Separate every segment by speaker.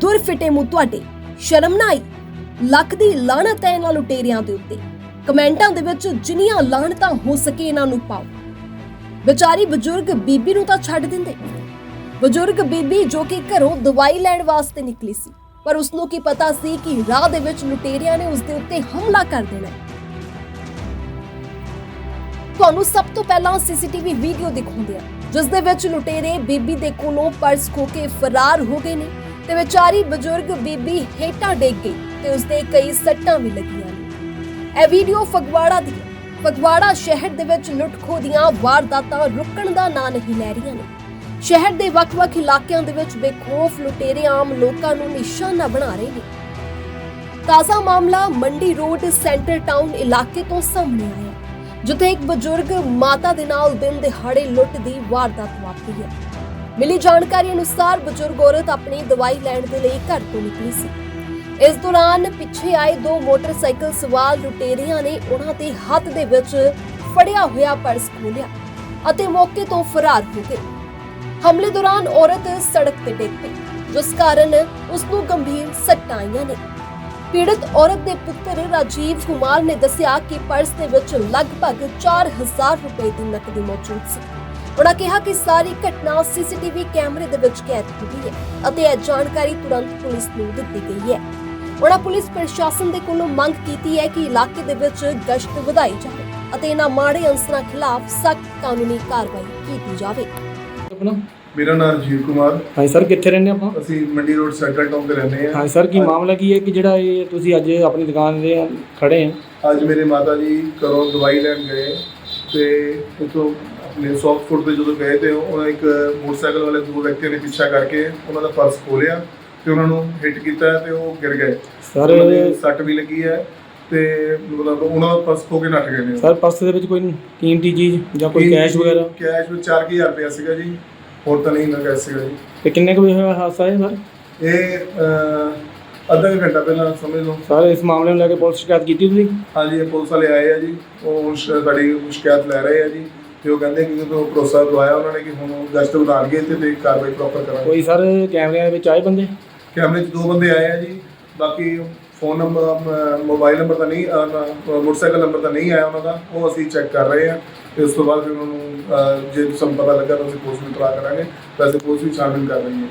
Speaker 1: ਦੁਰ ਫਿਟੇ ਮੂੰਹ ਤੁਹਾਡੇ, ਸ਼ਰਮ ਨਾ ਆਈ? ਲੱਖ ਦੀ ਲਾਹਨਤ ਹੈ ਇਹਨਾਂ ਲੁਟੇਰਿਆਂ ਦੇ ਉੱਤੇ। ਕਮੈਂਟਾਂ ਦੇ ਵਿੱਚ ਜਿੰਨੀਆਂ ਲਾਹਨਤਾਂ ਹੋ ਸਕੇ ਇਹਨਾਂ ਨੂੰ ਪਾਓ। ਵਿਚਾਰੀ ਬਜ਼ੁਰਗ ਬੀਬੀ ਨੂੰ ਤਾਂ ਛੱਡ ਦਿੰਦੇ। ਬਜ਼ੁਰਗ ਬੀਬੀ ਜੋ ਕਿ ਘਰੋਂ ਦਵਾਈ ਲੈਣ ਵਾਸਤੇ ਨਿਕਲੀ ਸੀ, ਪਰ ਉਸ ਨੂੰ ਕੀ ਪਤਾ ਸੀ ਕਿ ਰਾਹ ਦੇ ਵਿੱਚ ਲੁਟੇਰਿਆਂ ਨੇ ਉਸ ਦੇ ਉੱਤੇ ਹਮਲਾ ਕਰ ਦੇਣਾ ਹੈ। ਤੁਹਾਨੂੰ ਸਭ ਤੋਂ ਪਹਿਲਾਂ ਸੀਸੀਟੀਵੀ ਵੀਡੀਓ ਦਿਖਾਉਂਦੇ ਆ, ਜਿਸ ਦੇ ਵਿੱਚ ਲੁਟੇਰੇ ਬੀਬੀ ਦੇ ਕੋਲੋਂ ਪਰਸ ਖੋ ਕੇ ਫਰਾਰ ਹੋ ਗਏ ਨੇ ਤੇ ਵਿਚਾਰੀ ਬਜ਼ੁਰਗ ਬੀਬੀ ਹੇਠਾਂ ਡਿੱਗ ਗਈ ਤੇ ਉਸ ਦੇ ਕਈ ਸੱਟਾਂ ਵੀ ਲੱਗੀਆਂ ਨੇ। ਇਹ ਵੀਡੀਓ ਫਗਵਾੜਾ ਦੀ ਹੈ। ਫਗਵਾੜਾ ਸ਼ਹਿਰ ਦੇ ਵਿੱਚ ਲੁੱਟ-ਖੋਹ ਦੀਆਂ ਵਾਰਦਾਤਾਂ ਰੁਕਣ ਦਾ ਨਾਂ ਨਹੀਂ ਲੈ ਰਹੀਆਂ ਨੇ। ਸ਼ਹਿਰ ਦੇ ਵੱਖ-ਵੱਖ ਇਲਾਕਿਆਂ ਦੇ ਵਿੱਚ ਬੇਖੌਫ ਲੁਟੇਰੇ ਆਮ ਲੋਕਾਂ ਨੂੰ ਨਿਸ਼ਾਨਾ ਬਣਾ ਰਹੇ ਨੇ। ਤਾਜ਼ਾ ਮਾਮਲਾ ਮੰਡੀ ਰੋਡ ਸੈਂਟਰ ਟਾਊਨ ਇਲਾਕੇ ਤੋਂ ਸਾਹਮਣੇ ਆਇਆ, ਜਿੱਥੇ ਇੱਕ ਬਜ਼ੁਰਗ ਮਾਤਾ ਦੇ ਨਾਲ ਦਿਨ ਦਿਹਾੜੇ ਲੁੱਟ ਦੀ ਵਾਰਦਾਤ ਵਾਪਰੀ ਹੈ। ਮਿਲੀ ਜਾਣਕਾਰੀ ਅਨੁਸਾਰ ਬਜ਼ੁਰਗ ਔਰਤ ਆਪਣੀ ਦਵਾਈ ਲੈਣ ਦੇ ਲਈ ਘਰ ਤੋਂ ਨਿਕਲੀ ਸੀ। ਇਸ ਦੌਰਾਨ ਪਿੱਛੇ ਆਏ ਦੋ ਮੋਟਰਸਾਈਕਲ ਸਵਾਰ ਲੁਟੇਰਿਆਂ ਨੇ ਉਹਨਾਂ ਦੇ ਹੱਥ ਦੇ ਵਿੱਚ ਫੜਿਆ ਹੋਇਆ ਪਰਸ ਖੋਲਿਆ ਅਤੇ ਮੌਕੇ ਤੋਂ ਫਰਾਰ ਹੋ ਗਏ। ਹਮਲੇ ਦੌਰਾਨ ਔਰਤ ਸੜਕ ਤੇ ਡਿੱਗ ਪਈ, ਜਿਸ ਕਾਰਨ ਉਸ ਨੂੰ ਗੰਭੀਰ ਸੱਟਾਂ ਆਈਆਂ ਨੇ। ਪੀੜਤ ਔਰਤ ਦੇ ਪੁੱਤਰ ਰਾਜੀਵ ਕੁਮਾਰ ਨੇ ਦੱਸਿਆ ਕਿ ਪਰਸ ਦੇ ਵਿੱਚ ਲਗਭਗ 4000 ਰੁਪਏ ਦੀ ਨਕਦੀ ਮੌਜੂਦ ਸੀ। ਉਹਨਾਂ ਕਿਹਾ ਕਿ ਸਾਰੀ ਘਟਨਾ ਸੀਸੀਟੀਵੀ ਕੈਮਰੇ ਦੇ ਵਿੱਚ ਕੈਦ ਹੋ ਗਈ ਹੈ ਅਤੇ ਇਹ ਜਾਣਕਾਰੀ ਤੁਰੰਤ ਪੁਲਿਸ ਨੂੰ ਦਿੱਤੀ ਗਈ ਹੈ। ਉਹਨਾਂ ਪੁਲਿਸ ਪ੍ਰਸ਼ਾਸਨ ਦੇ ਕੋਲੋਂ ਮੰਗ ਕੀਤੀ ਹੈ ਕਿ ਇਲਾਕੇ ਦੇ ਵਿੱਚ ਗਸ਼ਤ ਵਧਾਈ ਜਾਵੇ ਅਤੇ ਇਹਨਾਂ ਮਾੜੇ ਅਨਸਰਾਂ ਖਿਲਾਫ ਸਖਤ ਕਾਨੂੰਨੀ ਕਾਰਵਾਈ ਕੀਤੀ ਜਾਵੇ।
Speaker 2: ਮੇਰਾ ਨਾਮ ਰਾਜੀਵ ਕੁਮਾਰ।
Speaker 3: ਹਾਂ ਸਰ, ਕਿੱਥੇ ਰਹਿੰਦੇ ਆਪਾਂ?
Speaker 2: ਅਸੀਂ ਮੰਡੀ ਰੋਡ ਸੈਂਟਰ ਟਾਊਨ ਤੇ ਰਹਿੰਦੇ ਹਾਂ।
Speaker 3: ਹਾਂ ਸਰ, ਕੀ ਮਾਮਲਾ ਕੀ ਹੈ ਕਿ ਜਿਹੜਾ ਇਹ ਤੁਸੀਂ ਅੱਜ ਆਪਣੀ ਦੁਕਾਨ ਦੇ ਖੜੇ ਆ?
Speaker 2: ਅੱਜ ਮੇਰੇ ਮਾਤਾ ਜੀ ਘਰੋਂ ਦਵਾਈ ਲੈਣ ਗਏ ਤੇ ਉੱਥੋਂ ਆਪਣੇ ਸੌਫਟ ਫੂਡ ਤੇ ਜਦੋਂ ਗਏ ਤੇ ਉਹਨਾਂ ਇੱਕ ਮੋਟਰਸਾਈਕਲ ਵਾਲੇ ਦੋ ਵਿਅਕਤੀਆਂ ਨੇ ਪਿੱਛਾ ਕਰਕੇ ਉਹਨਾਂ ਦਾ ਪਰਸ ਖੋਲਿਆ ਤੇ ਉਹਨਾਂ ਨੂੰ ਹਿੱਟ ਕੀਤਾ ਤੇ ਉਹ ਗਿਰ ਗਏ।
Speaker 3: ਸਰ
Speaker 2: ਸੱਟ ਵੀ ਲੱਗੀ ਹੈ ਤੇ ਮਤਲਬ ਉਹਨਾਂ ਦਾ ਪਰਸ ਖੋ ਕੇ ਨੱਠ ਗਏ ਨੇ।
Speaker 3: ਸਰ ਪਰਸ ਦੇ ਵਿੱਚ ਕੋਈ ਕੀਮਤੀ ਚੀਜ਼ ਜਾਂ ਕੋਈ ਕੈਸ਼ ਵਗੈਰਾ?
Speaker 2: ਕੈਸ਼ ਵਿੱਚ 4000 ਰੁਪਇਆ ਸੀਗਾ ਜੀ, ਹੋਰ ਤਾਂ ਨਹੀਂ ਨਾ ਕੈਸ਼ ਸੀਗਾ ਜੀ।
Speaker 3: ਤੇ ਕਿੰਨੇ ਕੁ ਵਜੇ ਹੋਇਆ ਹਾਦਸਾ ਹੈ ਸਰ?
Speaker 2: ਇਹ ਅੱਧਾ ਘੰਟਾ ਪਹਿਲਾਂ ਸਮਝ ਲਓ।
Speaker 3: ਸਰ ਇਸ ਮਾਮਲੇ ਨੂੰ ਲੈ ਕੇ ਪੁਲਿਸ ਸ਼ਿਕਾਇਤ ਕੀਤੀ ਤੁਸੀਂ?
Speaker 2: ਹਾਂਜੀ, ਇਹ ਪੁਲਿਸ ਵਾਲੇ ਆਏ ਆ ਜੀ, ਉਹ ਸਾਡੀ ਸ਼ਿਕਾਇਤ ਲੈ ਰਹੇ ਆ ਜੀ ਤੇ ਉਹ ਕਹਿੰਦੇ ਕਿ ਜਦੋਂ ਭਰੋਸਾ ਦਵਾਇਆ ਉਹਨਾਂ ਨੇ ਕਿ ਹੁਣ ਗਸ਼ਤ ਵਧਾਉਣਗੇ ਤੇ ਕਾਰਵਾਈ ਪ੍ਰੋਪਰ ਕਰਾਂਗੇ।
Speaker 3: ਕੋਈ ਸਰ ਕੈਮਰਿਆਂ ਦੇ ਵਿੱਚ ਆਏ ਬੰਦੇ?
Speaker 2: ਕੈਮਰੇ 'ਚ ਦੋ ਬੰਦੇ ਆਏ ਆ ਜੀ, ਬਾਕੀ ਫੋਨ ਨੰਬਰ ਮੋਬਾਈਲ ਨੰਬਰ ਤਾਂ ਨਹੀਂ, ਮੋਟਰਸਾਈਕਲ ਨੰਬਰ ਤਾਂ ਨਹੀਂ ਆਇਆ ਉਹਨਾਂ ਦਾ, ਉਹ ਅਸੀਂ ਚੈੱਕ ਕਰ ਰਹੇ ਹਾਂ ਤੇ ਉਸ ਤੋਂ ਬਾਅਦ ਫਿਰ ਉਹਨਾਂ ਨੂੰ ਜੇ ਸਾਨੂੰ ਪਤਾ ਲੱਗਾ ਤਾਂ ਅਸੀਂ ਪੁਲਿਸ ਨੂੰ ਇਤਲਾਹ ਕਰਾਂਗੇ। ਵੈਸੇ ਪੁਲਿਸ ਵੀ ਛਾਣਬੀਨ ਕਰ ਰਹੀ ਹੈ।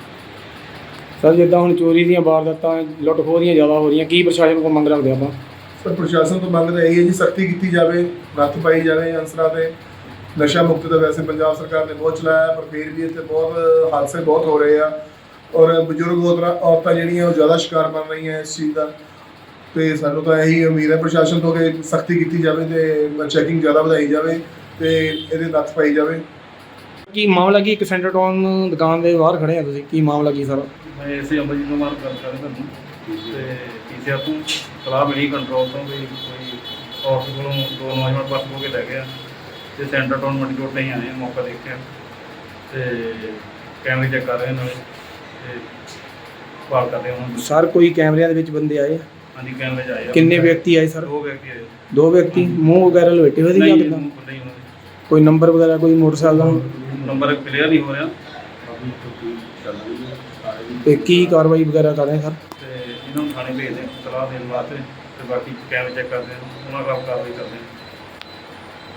Speaker 3: ਸਰ ਜਿੱਦਾਂ ਹੁਣ ਚੋਰੀ ਦੀਆਂ ਵਾਰਦਾਤਾਂ ਲੁੱਟ ਖੋਹ ਦੀਆਂ ਜ਼ਿਆਦਾ ਹੋ ਰਹੀਆਂ, ਕੀ ਪ੍ਰਸ਼ਾਸਨ ਕੋਲ ਮੰਗ ਰੱਖਦੇ ਆਪਾਂ?
Speaker 2: ਸਰ ਪ੍ਰਸ਼ਾਸਨ ਤੋਂ ਮੰਗ ਤਾਂ ਇਹੀ ਹੈ ਜੀ, ਸਖਤੀ ਕੀਤੀ ਜਾਵੇ, ਨੱਥ ਪਾਈ ਜਾਵੇ ਅਨਸਰਾਂ ਤੇ। ਨਸ਼ਾ ਮੁਕਤ ਤਾਂ ਵੈਸੇ ਪੰਜਾਬ ਸਰਕਾਰ ਨੇ ਬਹੁਤ ਚਲਾਇਆ, ਪਰ ਫਿਰ ਵੀ ਇੱਥੇ ਬਹੁਤ ਹਾਦਸੇ ਬਹੁਤ ਹੋ ਰਹੇ ਆ ਔਰ ਬਜ਼ੁਰਗ ਔਰਤਾਂ ਜਿਹੜੀਆਂ ਉਹ ਜ਼ਿਆਦਾ ਸ਼ਿਕਾਰ ਬਣ ਰਹੀਆਂ ਇਸ ਚੀਜ਼ ਦਾ। ਤੇ ਸਾਨੂੰ ਤਾਂ ਇਹੀ ਉਮੀਦ ਹੈ ਪ੍ਰਸ਼ਾਸਨ ਤੋਂ ਕਿ ਸਖਤੀ ਕੀਤੀ ਜਾਵੇ ਤੇ ਚੈਕਿੰਗ ਜ਼ਿਆਦਾ ਵਧਾਈ ਜਾਵੇ ਤੇ ਇਹਦੇ ਨੱਥ ਪਾਈ ਜਾਵੇ।
Speaker 3: ਕੀ ਮਾਮਲਾ ਕੀ? ਇੱਕ ਸੈਂਟਰ ਟਾਊਨ ਦੁਕਾਨ ਦੇ ਬਾਹਰ ਖੜੇ ਆ ਤੁਸੀਂ, ਕੀ ਮਾਮਲਾ ਕੀ ਸਰ?
Speaker 4: ਮੈਂ ਇਸੇ ਅੰਮ੍ਰਿਤ ਕੁਮਾਰ ਗੱਲ ਕਰ ਰਿਹਾ ਤੁਹਾਨੂੰ ਤੇ ਪੀਸੀਆਰ ਤੋਂ ਸਲਾਹ ਮਿਲੀ ਕੰਟਰੋਲ ਤੋਂ ਵੀ ਕੋਈ ਔਰਤ ਕੋਲੋਂ ਦੋ ਨੌਜਵਾਨ ਪਰਸ ਹੋ ਕੇ ਲੈ ਗਿਆ ਤੇ ਸੈਂਟਰ ਟਾਊਨ ਮੰਡੀ ਰੋਡ 'ਤੇ ਹੀ ਆਏ, ਮੌਕਾ ਦੇਖਿਆ ਤੇ ਕੈਮਰੇ ਚੈੱਕ ਕਰ ਰਹੇ ਨਾਲੇ ਤੇ ਭਾਲ ਕਰਦੇ ਉਹਨਾਂ ਨੂੰ।
Speaker 3: ਸਰ ਕੋਈ ਕੈਮਰਿਆਂ ਦੇ ਵਿੱਚ ਬੰਦੇ ਆਏ?
Speaker 4: ਹਾਂਜੀ ਕੈਮਰੇ 'ਚ ਆਏ ਆ।
Speaker 3: ਕਿੰਨੇ ਵਿਅਕਤੀ ਆਏ ਸਰ?
Speaker 4: ਦੋ ਵਿਅਕਤੀ ਆਏ।
Speaker 3: ਦੋ ਵਿਅਕਤੀ ਮੂੰਹ ਵਗੈਰਾ ਲਪੇਟੇ ਹੋਏ ਸੀ ਜਾਂ ਕਿੱਦਾਂ?
Speaker 4: ਨਹੀਂ,
Speaker 3: ਕੋਈ ਨੰਬਰ ਵਗੈਰਾ ਕੋਈ ਮੋਟਰਸਾਈਕਲ ਦਾ?
Speaker 4: ਨੰਬਰ ਕਲੀਅਰ ਨਹੀਂ ਹੋ ਰਿਹਾ
Speaker 3: ਤੇ ਕੀ ਕਾਰਵਾਈ ਵਗੈਰਾ ਕਰ ਰਹੇ ਸਰ?
Speaker 4: ਤੇ ਇਹਨਾਂ ਨੂੰ ਥਾਣੇ ਭੇਜਦੇ ਸਲਾਹ ਦੇਣ ਵਾਸਤੇ ਤੇ ਬਾਕੀ ਕੈਮਰੇ ਚੈੱਕ ਕਰਦੇ ਉਹਨਾਂ ਖਿਲਾਫ ਕਾਰਵਾਈ ਕਰਦੇ।